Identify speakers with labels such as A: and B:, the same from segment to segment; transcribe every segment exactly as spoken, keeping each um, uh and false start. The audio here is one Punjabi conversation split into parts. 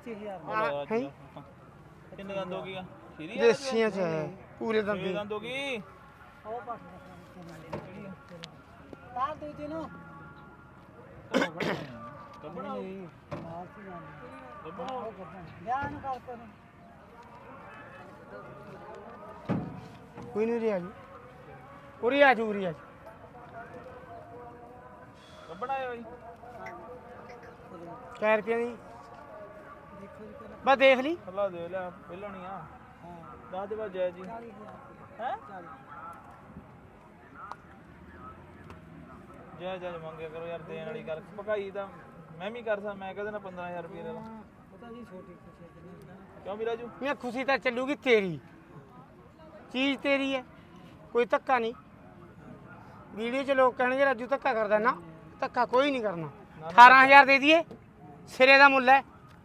A: ਪੱਚੀ ਹਜ਼ਾਰ
B: ਹੈ
C: ਕਿੰਨੇ ਦੰਦ ਹੋ ਗਈਆਂ ਖੀਰੀ
B: ਦੇਸੀਆਂ ਚ ਹੈ ਪੂਰੇ ਦੰਦ
C: ਦੰਦ ਹੋ ਗਈ
A: ਉਹ ਪੱਟ ਤਾਂ ਦੂਜੀ ਨੂੰ
C: ਕੱਪੜਾ
A: ਨਹੀਂ ਮਾਰ ਸੀ ਜਾਂਦੇ ਵਿਆਹ ਨੂੰ ਕਰਦੇ ਨੇ
B: ਕੋਈ ਨਹੀਂ ਰਿਹਾ ਜੀ ਉਰੀ ਆ ਜੂ ਉਰੀ ਆ
C: ਕੱਪੜਾ ਹੈ ਬਾਈ
B: ਚਾਰ ਰੁਪਏ ਦੀ
A: ਦੇਖੋ ਜੀ ਪਹਿਲਾਂ
B: ਬਸ ਦੇਖ ਲਈ
C: ਅੱਲਾ ਦੇ ਲੈ ਪਹਿਲਾਂ ਨਹੀਂ ਆ
A: ਹਾਂ
C: ਦਸ ਦੇ ਬਾਅਦ ਜੈ ਜੀ
A: ਚਾਲੀ ਹਜ਼ਾਰ
C: ਹੈ
A: ਚਾਲੀ
C: ਜੈ ਜੈ ਮੰਗਿਆ ਕਰੋ ਯਾਰ ਦੇਣ ਵਾਲੀ ਗੱਲ ਭਕਾਈ ਤਾਂ ਮੈਂ ਵੀ ਕਰ ਸਕਦਾ ਮੈਂ ਕਹਦੇ ਨਾ ਪੰਦਰਾਂ ਹਜ਼ਾਰ ਰੁਪਏ ਲੈ ਲਾ
A: ਪਤਾ ਜੀ ਛੋਟੀ ਖੁਸ਼ੀ ਜਿੰਨੇ
C: ਕਿਉਂ ਵੀ ਰਾਜੂ
B: ਮੈਂ ਖੁਸ਼ੀ ਤਾਂ ਚੱਲੂਗੀ ਤੇਰੀ ਚੀਜ਼ ਤੇਰੀ ਹੈ ਕੋਈ ਧੱਕਾ ਨਹੀਂ ਵੀਡੀਓ 'ਚ ਲੋਕ ਕਹਿਣਗੇ ਰਾਜੂ ਧੱਕਾ ਕਰਦਾ ਨਾ ਧੱਕਾ ਕੋਈ ਨਹੀਂ ਕਰਨਾ ਅਠਾਰਾਂ ਹਜ਼ਾਰ ਦੇ ਦਈਏ ਸਿਰੇ ਦਾ ਮੁੱਲ ਹੈ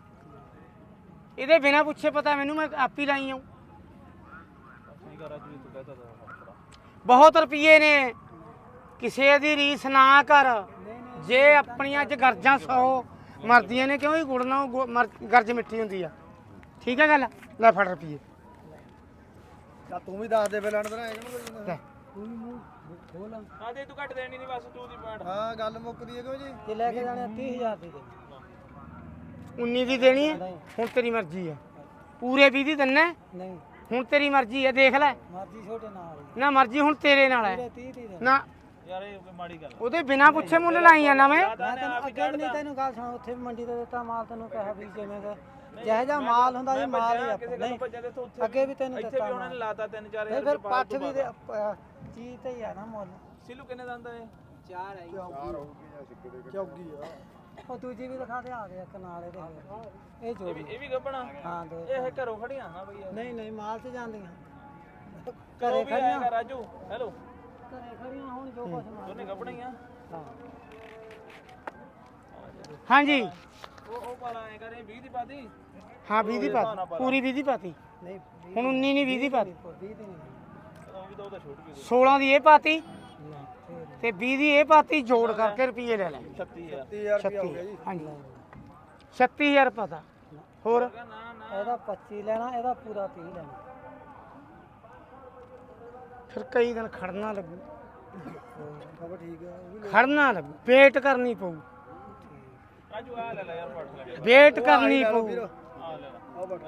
B: ਇਹਦੇ ਬਿਨਾ ਪੁੱਛੇ ਪਤਾ ਮੈਨੂੰ ਮੈਂ ਆਪ ਹੀ ਲਾਈ ਆਉਂ
C: ਠੀਕ ਆ ਰਾਜੂ ਤੂੰ ਕਹਤਾ ਤਾਂ
B: ਬਹੁਤ ਰੁਪਏ ਨੇ ਕਿਸੇ ਦੀ ਰੀਸ ਨਾ ਕਰ ਜੇ ਆਪਣੀਆਂ ਚ ਗਰਜਾਂ ਸੌ ਮਰਦੀਆਂ ਨੇ ਕਿਉਂ ਹੀ ਗੁੜ ਨਾਲ ਗੁ- ਮਰ- ਗਰਜ ਮਿੱਠੀ ਹੁੰਦੀ ਆ ਠੀਕ ਹੈ ਗੱਲ ਲੈ ਫੜ ਰੁਪਏ
D: ਤਾਂ ਤੂੰ ਵੀ ਦੱਸ ਦੇ ਪਹਿਲਾਂ ਅੰਦਰ ਇਹਨੂੰ
B: ਲੈ
A: ਤੂੰ ਮੂੰਹ ਖੋਲ
C: ਹਾਂ ਦੇ ਤੂੰ ਘੱਟ ਦੇਣੀ ਨਹੀਂ ਬਸ ਤੂੰ ਦੀ ਪੈਂਟ
D: ਹਾਂ ਗੱਲ ਮੁੱਕਦੀ ਹੈ ਕਿਉਂ ਜੀ
A: ਤੇ ਲੈ ਕੇ ਜਾਣੇ ਤੀਹ ਹਜ਼ਾਰ ਦੀ ਦੇ
B: ਉੱਨੀ ਦੀ ਦੇਣੀ ਹੈ ਹੁਣ ਤੇਰੀ ਮਰਜ਼ੀ ਹੈ ਪੂਰੇ ਵੀਹ ਦੀ ਦਿੰਨਾ ਹੈ,
A: ਨਹੀਂ
B: ਹੁਣ ਤੇਰੀ ਮਰਜ਼ੀ ਹੈ ਦੇਖ ਲੈ
A: ਮਰਜ਼ੀ ਛੋਟੇ ਨਾਲ ਹੀ
B: ਨਾ ਮਰਜ਼ੀ ਹੁਣ ਤੇਰੇ ਨਾਲ ਹੈ
A: ਪੂਰੇ ਤੀਹ ਦੀ ਦੇ
B: ਨਾ
C: ਯਾਰ ਇਹ ਕੋਈ ਮਾੜੀ ਗੱਲ
B: ਉਹਦੇ ਬਿਨਾ ਪੁੱਛੇ ਮੁੱਲ ਲਾਈ ਜਾਣਾ ਮੈਂ
A: ਮੈਂ ਤੈਨੂੰ ਅੱਗੇ ਵੀ ਨਹੀਂ ਤੈਨੂੰ ਗੱਲ ਸੁਣਾ ਉੱਥੇ ਵੀ ਮੰਡੀ ਤੇ ਦਿੱਤਾ ਮਾਲ ਤੈਨੂੰ ਕਿਹਾ ਵੀ ਜਿਵੇਂ ਕਿ ਜਿਹੋ ਜਿਹਾ ਮਾਲ ਹੁੰਦਾ ਜੀ ਮਾਲ ਹੀ
C: ਕਿਸੇ
A: ਆਪਾਂ
C: ਕੋਲ
A: ਨਹੀਂ
C: ਭੱਜਿਆ ਤੇ ਇੱਥੋਂ ਉੱਥੇ
A: ਅੱਗੇ ਵੀ ਤੈਨੂੰ
C: ਇੱਥੇ
A: ਦਿੱਤਾ
C: ਵੀ ਉਹਨਾਂ ਨੇ ਲਾਤਾ ਤਿੰਨ ਚਾਰ
A: ਨਹੀਂ
C: ਹਜ਼ਾਰ
A: ਫਿਰ ਪੱਠ ਵੀ ਦੇ ਅਹ ਚੀਜ਼ ਤੇ ਹੀ ਆ ਨਾ ਮੁੱਲ
C: ਸਿਲੂ ਕਿੰਨੇ ਦੰਦ ਆ ਇਹ
A: ਚਾਰ ਆਈ
D: ਚੌਗੀ ਆ
A: ਉਹ ਦੂਜੀ ਵੀ ਦਿਖਾ ਦੇ ਆ ਗਿਆ ਕਨਾਲੇ ਦੇ ਇਹ
C: ਇਹ
A: ਜੋੜੀ
C: ਵੀ ਇਹ ਵੀ ਗੱਬਣਾ
A: ਹਾਂ ਦੋ
C: ਇਹ ਘਰੋਂ ਖੜੀਆਂ ਨਾ ਬਈ
A: ਨਹੀਂ ਨਹੀਂ ਮਾਲ ਤੇ ਜਾਂਦੀਆਂ
C: ਘਰੇ
A: ਘਰੇ ਖੜੀਆਂ
C: ਖੜੀਆਂ ਰਾਜੂ ਹੈਲੋ
A: ਘਰੇ ਖੜੀਆਂ ਹੁਣ ਜੋ ਕੁਛ ਮਾਲ
C: ਦੋਨੇ ਗੱਬਣਾ ਹੀ ਆ
A: ਹਾਂ
B: ਹਾਂਜੀ
C: ਉਹ ਉਹ ਪਾਲਾ ਐ ਕਰੇ ਵੀਹ ਦੀ ਪਾਤੀ
B: ਹਾਂ ਵੀਹ ਦੀ ਪਾਤੀ ਪੂਰੀ ਵੀਹ ਦੀ ਪਾਤੀ
A: ਨਹੀਂ
B: ਹੁਣ ਉੱਨੀ ਨਹੀਂ ਵੀਹ ਦੀ ਪਾਤੀ
A: ਵੀਹ ਦੀ ਨਹੀਂ
C: ਉਹ ਵੀ ਤਾਂ ਉਹਦਾ ਛੋਟ ਗਈ
B: ਸੋਲਾਂ ਦੀ ਇਹ ਪਾਤੀ
A: ਨਾ ਫੇਰ
B: ਤੇ ਵੀਹ ਦੀ ਇਹ ਪਾਤੀ ਜੋੜ ਕਰਕੇ ਰੁਪਏ ਲੈ ਲੈ
C: ਛੱਤੀ ਹਜ਼ਾਰ
D: ਤੀਹ ਹਜ਼ਾਰ ਰੁਪਇਆ ਹੋ ਗਿਆ ਜੀ
B: ਹਾਂਜੀ ਛੱਤੀ ਹਜ਼ਾਰ ਪਤਾ ਹੋਰ
C: ਨਾ ਨਾ
A: ਇਹਦਾ ਪੱਚੀ ਲੈਣਾ ਇਹਦਾ ਪੂਰਾ ਤੀਹ ਲੈਣਾ
B: ਫਿਰ ਕਈ ਦਿਨ ਖੜਨਾ ਲੱਗੂ
D: ਖਬਰ ਠੀਕ ਆ ਉਹ ਵੀ
B: ਖੜਨਾ ਲੱਗੂ ਵੇਟ ਕਰਨੀ ਪਊ
C: ਰਾਜੂ ਆ ਲੈ ਲੈ ਯਾਰ ਫੜ ਲੈ
B: ਵੇਟ ਕਰਨੀ ਪਊ
C: ਆ ਲੈ ਲੈ
D: ਆ ਬਟ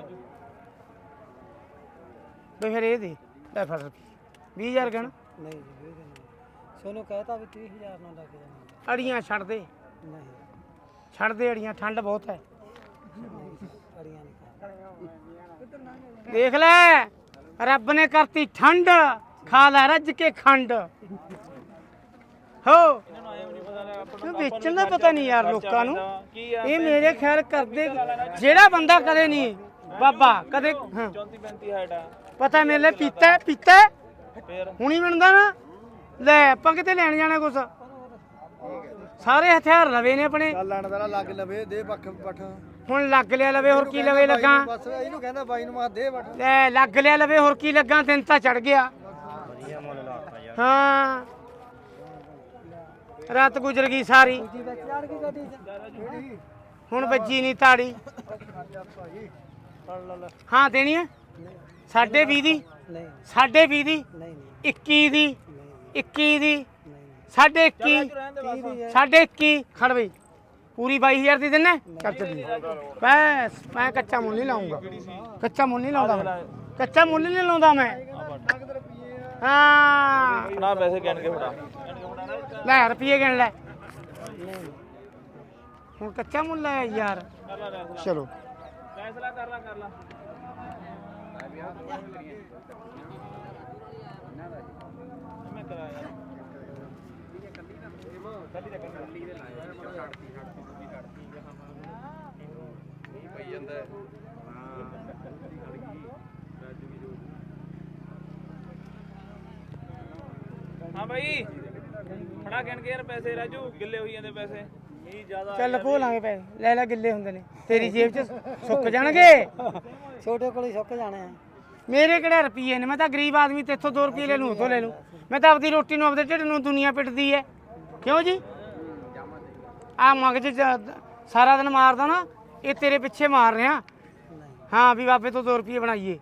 B: ਵੀ ਫਿਰ ਇਹ ਦੇ ਲੈ ਫੜ ਰੁਪਏ ਵੀਹ ਹਜ਼ਾਰ ਗਣ
A: ਨਹੀਂ ਜੀ ਵੀਹ ਦੀ ਨਹੀਂ ਸੋਨੂੰ ਕਹਿਤਾ ਵੀ ਤੀਹ ਹਜ਼ਾਰ ਨਾਲ ਲੱਗ ਜਾਣਾ
B: ਅੜੀਆਂ ਛੱਡ ਦੇ
A: ਨਹੀਂ
B: ਛੱਡ ਦੇ ਅੜੀਆਂ ਠੰਡ ਬਹੁਤ ਹੈ
A: ਅੜੀਆਂ ਨਹੀਂ
B: ਦੇਖ ਲੈ ਰੱਬ ਨੇ ਕਰਤੀ ਠੰਡ ਖਾ ਲੈ ਰੱਜ ਕੇ ਖੰਡ ਹੋ
C: ਇਹਨਾਂ ਨੂੰ ਆਇਆ ਵੀ ਨਹੀਂ ਪਤਾ ਲੱਗਾ ਆਪਾਂ
B: ਕਿਉਂ ਵੇਚਣ ਦਾ ਪਤਾ ਨਹੀਂ ਯਾਰ ਲੋਕਾਂ ਨੂੰ
C: ਕੀ ਆ
B: ਇਹ ਮੇਰੇ ਖਿਆਲ ਕਰਦੇ ਜਿਹੜਾ ਬੰਦਾ ਕਦੇ ਨਹੀਂ ਬਾਬਾ ਕਦੇ ਹਾਂ
C: ਚੌਂਤੀ ਪੈਂਤੀ ਹਾਈਟ ਆ
B: ਪਤਾ ਮੇਰੇ ਲਈ ਪੀਤਾ ਹੈ, ਪੀਤਾ ਹੈ,
C: ਫੇਰ
B: ਹੁਣੀ ਬਣਦਾ ਨਾ ਲੈ ਆਪਾਂ ਕਿਤੇ ਲੈਣ ਜਾਣਾ ਕੁਛ ਸਾਰੇ ਹਥਿਆਰ ਲਵੇ ਨੇ ਆਪਣੇ
D: ਚੱਲ ਲੈਣ ਦਾ ਲੱਗ ਲਵੇ ਦੇ ਪੱਖ ਪੱਠ
B: ਹੁਣ ਲੱਗ ਲਿਆ ਲਵੇ ਹੋਰ ਕੀ ਲਵੇ ਲੱਗਾ
D: ਬਸ ਇਹਨੂੰ ਕਹਿੰਦਾ ਬਾਈ ਨੂੰ ਮਾ ਦੇ ਪੱਠ
B: ਲੈ ਲੱਗ ਲਿਆ ਲਵੇ ਹੋਰ ਕੀ ਲੱਗਾ ਦਿਨ ਤਾਂ ਚੜ ਗਿਆ ਹਾਂ ਰਾਤ ਗੁਜ਼ਰ ਗਈ ਸਾਰੀ
A: ਦੂਜੀ ਵਿੱਚ ਚੜ ਗਈ ਗੱਡੀ ਚ
B: ਹੁਣ ਵੱਜੀ ਨਹੀਂ ਤਾੜੀ ਹਾਂ ਦੇਣੀ ਹੈ ਸਾਢੇ ਵੀਹ ਦੀ
A: ਨਹੀਂ
B: ਸਾਢੇ ਵੀਹ ਦੀ
A: ਨਹੀਂ ਨਹੀਂ
B: ਇੱਕੀ ਦੀ
A: ਨਹੀਂ
B: ਇੱਕੀ ਦੀ
A: ਨਹੀਂ
B: ਸਾਢੇ ਇੱਕੀ
C: ਰਹਿਣ ਦੇ
A: ਤੀਹ ਦੀ ਹੈ
B: ਸਾਢੇ ਇੱਕੀ ਖੜ ਬਈ ਪੂਰੀ ਬਾਈ ਹਜ਼ਾਰ ਦੀ ਦਿੰਨਾ ਚੱਲ ਚੱਲੀ ਬਸ ਮੈਂ ਕੱਚਾ ਮੁੱਲ ਨਹੀਂ ਲਾਉਂਗਾ ਕੱਚਾ ਮੁੱਲ ਨਹੀਂ ਲਾਉਂਦਾ ਮੈਂ ਕੱਚਾ ਮੁੱਲ ਨਹੀਂ ਲਾਉਂਦਾ ਮੈਂ ਹਾਂ
C: ਨਾ ਪੈਸੇ ਗਿਣ ਕੇ ਫੜਾ ਗਿਣ ਕੇ ਫੜਾ ਨਾ
B: ਲੈ ਰੁਪਏ ਗਿਣ ਲੈ
A: ਨਹੀਂ
B: ਹੁਣ ਕੱਚਾ ਮੁੱਲ ਹੈ ਯਾਰ
C: ਕਰ ਲੈ ਫੈਸਲਾ
B: ਚਲੋ
C: ਫੈਸਲਾ ਕਰ ਲੈ ਕਰ ਲੈ ਮੈਂ ਕਰਾ ਯਾਰ ਕੱਲੀ ਦਾ ਕੱਲੀ ਦੇ ਲਾਇਆ ਛੱਡਤੀ ਛੱਡਤੀ ਦੂਜੀ ਛੱਡਤੀ ਪਈ ਜਾਂਦਾ ਹਾਂ ਭਾਈ ਫੜਾ ਗਿਣ ਕੇ ਯਾਰ ਪੈਸੇ ਰਾਜੂ ਗਿੱਲੇ ਹੋਈ ਜਾਂਦੇ ਪੈਸੇ ਨਹੀਂ ਜ਼ਿਆਦਾ
B: ਚੱਲ ਖੋ ਲਾਂਗੇ ਪੈਸੇ ਲੈ ਲੈ ਗਿੱਲੇ ਹੁੰਦੇ ਨੇ ਤੇਰੀ ਜੇਬ 'ਚ ਸੁੱਕ ਜਾਣਗੇ
A: ਛੋਟੇ ਕੋਲ ਹੀ ਸੁੱਕ ਜਾਣੇ ਆ
B: ਮੇਰੇ ਕਿਹੜੇ ਰੁਪਈਏ ਨੇ ਮੈਂ ਤਾਂ ਗਰੀਬ ਆਦਮੀ ਤੇ ਇੱਥੋਂ ਦੋ ਰੁਪਏ ਲੈ ਲੂੰ ਉੱਥੋਂ ਲੈ ਲੂੰ ਮੈਂ ਤਾਂ ਆਪਦੀ ਰੋਟੀ ਨੂੰ ਆਪਦੇ ਢਿੱਡ ਨੂੰ ਦੁਨੀਆ ਪਿੱਟਦੀ ਹੈ ਕਿਉਂ ਜੀ ਆ ਮਗਜ 'ਚ ਸਾਰਾ ਦਿਨ ਮਾਰਦਾ ਨਾ ਇਹ ਤੇਰੇ ਪਿੱਛੇ ਮਾਰ ਰਿਹਾ
A: ਨਹੀਂ
B: ਹਾਂ ਵੀ ਬਾਬੇ ਤੋਂ ਦੋ ਰੁਪਏ ਬਣਾਈਏ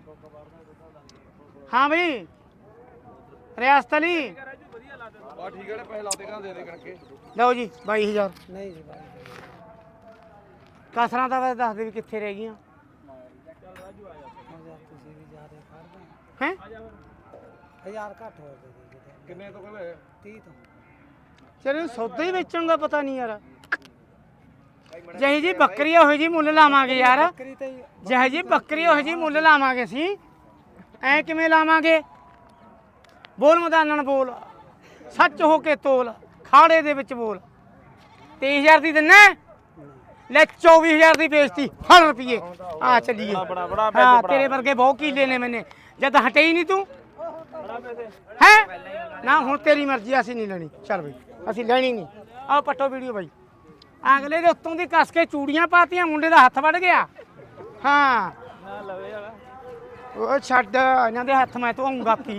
B: ਹਾਂ ਬਈ ਰਿਆਸਤ ਅਲੀ
D: ਆ ਠੀਕ ਹੈ ਪੈਸੇ ਲਾਤੇ ਕਰਾਂ ਦੇ ਦੇ ਕਰਕੇ
B: ਲਓ ਜੀ ਬਾਈ ਹਜ਼ਾਰ
A: ਨਹੀਂ ਜੀ ਬਾਈ
B: ਕਸਰਾਂ ਤਾਂ ਵੈਸੇ ਦੱਸ ਦੇ ਵੀ ਕਿੱਥੇ ਰਹਿ ਗਈਆਂ
A: ਹਜ਼ਾਰ ਤੁਸੀਂ ਵੀ ਜ਼ਿਆਦਾ ਕਰਦੇ
B: ਹੈ
A: ਹਜ਼ਾਰ ਘੱਟ ਹੋਰ ਦੇ ਦੇ ਜੀ
D: ਕਿੰਨੇ ਤੋਂ ਕਹਿੰਦੇ
A: ਤੀਹ ਤੋਂ
B: ਚਲੋ ਸੌਦਾ ਹੀ ਵੇਚਣ ਦਾ ਪਤਾ ਨਹੀਂ ਯਾਰ ਜਿਹੀ ਜੀ ਬੱਕਰੀ ਉਹੋ ਜੀ ਮੁੱਲ ਲਾਵਾਂਗੇ ਯਾਰ
A: ਬੱਕਰੀ ਤੇ ਹੀ
B: ਜਿਹੇ ਜੀ ਬੱਕਰੀ ਉਹੋ ਜੀ ਮੁੱਲ ਲਾਵਾਂਗੇ ਅਸੀਂ ਐ ਕਿਵੇਂ ਲਾਵਾਂਗੇ ਬੋਲ ਮਦਾਨਣ ਬੋਲ ਸੱਚ ਹੋ ਕੇ ਤੋਲ ਖਾੜੇ ਦੇ ਵਿੱਚ ਬੋਲ ਤੇਈ ਹਜ਼ਾਰ ਦੀ ਦਿੰਨਾ ਲੈ ਚੌਵੀ ਹਜ਼ਾਰ ਦੀ ਵੇਚਤੀ ਫੜ ਰੁਪਏ ਆ ਚੱਲੀਏ
C: ਬੜਾ ਬੜਾ
B: ਹਾਂ ਤੇਰੇ ਵਰਗੇ ਬਹੁਤ ਕੀਲੇ ਨੇ ਮੈਨੇ ਜਦ ਹਟੇ ਹੀ ਨਹੀਂ ਤੂੰ
C: ਬੜਾ ਪੈਸੇ
B: ਹੈ ਨਾ ਹੁਣ ਤੇਰੀ ਮਰਜ਼ੀ ਅਸੀਂ ਨਹੀਂ ਲੈਣੀ ਚੱਲ ਬਈ ਅਸੀਂ ਲੈਣੀ ਨਹੀਂ ਆਓ ਪੱਟੋ ਵੀਡੀਓ ਬਾਈ ਅਗਲੇ ਦੇ ਉੱਤੋਂ ਦੀ ਕੱਸ ਕੇ ਚੂੜੀਆਂ ਪਾਤੀਆਂ ਮੁੰਡੇ ਦਾ ਹੱਥ ਵੱਢ ਗਿਆ ਹਾਂ
C: ਨਾ ਲਵੇ ਵਾਲਾ
B: ਉਹ ਛੱਡ ਇਹਨਾਂ ਦੇ ਹੱਥ ਮੈਂ ਧੋਊਂਗਾ ਪੀ